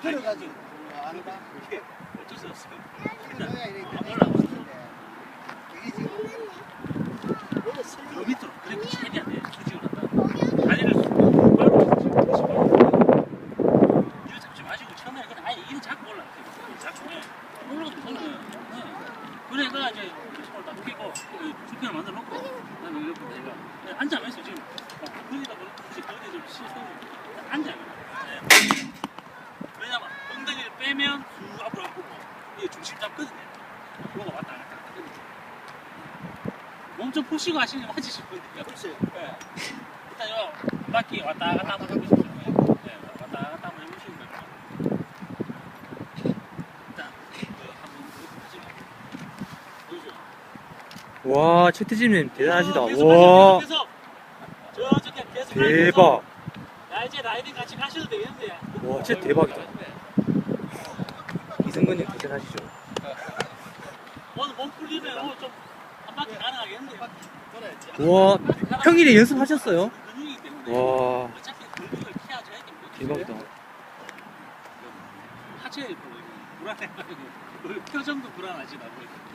걸어가지고 안다. 어쩔 수 없어. 걸어야 이렇게 안 되는 올라와. 것인데 이게 지금 저 밑으로 그래 최대한 내 수직을 한다. 다리를 빨로 이를 잡지 마시고 처음에 그냥 아예 이를 잡고 올라. 잡고 올라가도 되는. 그래 내가 이제 손을 딱 끼고 수평을 만들어 놓고 그다음에 이렇게 내가 앉아면서 지금 거기다 그렇고 이제 거기다 좀 씻어 앉아. 왜냐면 엉덩이를 빼면 쭉 앞으로 가고 이게 중심 잡거든요. 그거가 왔다 갔다. 몸 좀 푸시고 하시는 게 맞으실 건데요. 그렇지. 네. 일단 요 바퀴 왔다 갔다 한번 해보십시오. 네, 왔다 갔다 한번 해보시는 거예요. 일단 한번 보시죠. 와, 최태진님 대단하시다. 계속 와, 계속 저쪽에 계속 대박. 야 이제 라이딩 같이 가셔도 되겠는데. 와, 진짜 대박이다. 이승근님 대단하시죠. 오늘 몸 풀리면 오늘 좀 한 바퀴 가능하겠는데요. 와, 평일에 연습하셨어요? 근육이기 때문에 와, 어차피 근육을 키워줘야 됩니다. 대박이다. 하체 불안해가지고 표정도 불안하지 나고.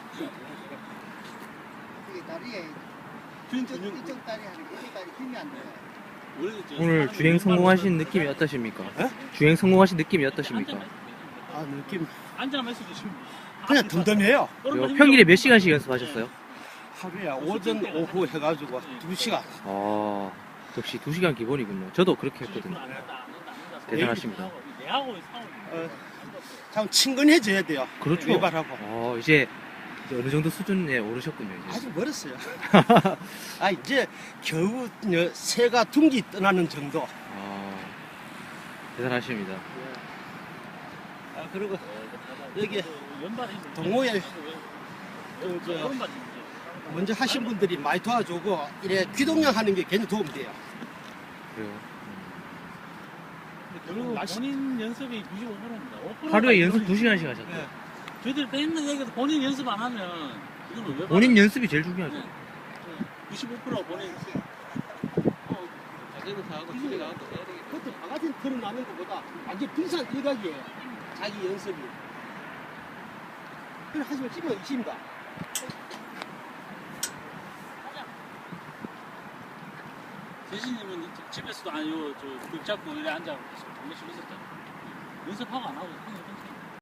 이게 다리에 이쪽 다리 하는 이쪽 다리 힘이 안 돼. 오늘 주행 성공하신 느낌이 어떠십니까? 주행 성공하신 느낌이 어떠십니까? 아 느낌 앉아면서 지금 그냥 덤덤해요. 평일에 몇 시간씩 연습하셨어요? 하루에 오전 오후 해가지고 2시간. 아, 역시 2시간 기본이군요. 저도 그렇게 했거든요. 대단하십니다. 참 친근해져야 돼요. 그렇죠. 외발하고. 이제 어느 정도 수준에 오르셨군요. 이제. 아직 멀었어요. 아 이제 겨우 새가 둥기 떠나는 정도. 대단하십니다. 아 그리고 여기 동호회 먼저 하신 분들이 많이 도와주고 이래 귀동량 하는 게 굉장히 도움이 돼요. 그래요. 그리고 본인 연습이 95%입니다. 5%가 하루에 연습 2시간씩 하셨대요. 저희들이 맨날 얘기해도 본인 연습 안 하면 이거는 왜 본인 연습이 제일 중요하죠. 95% 본인 자전거 타고 집에 가고 그것도 바가지 털어나는 것보다 완전 빙산 일각이에요. 자기 연습이. 그래 하시면 집에 있습니다. 대신님은 집에서도 아니요 저 벽 잡고 이래 앉아 계속 있었잖아요. 연습하고 안 하고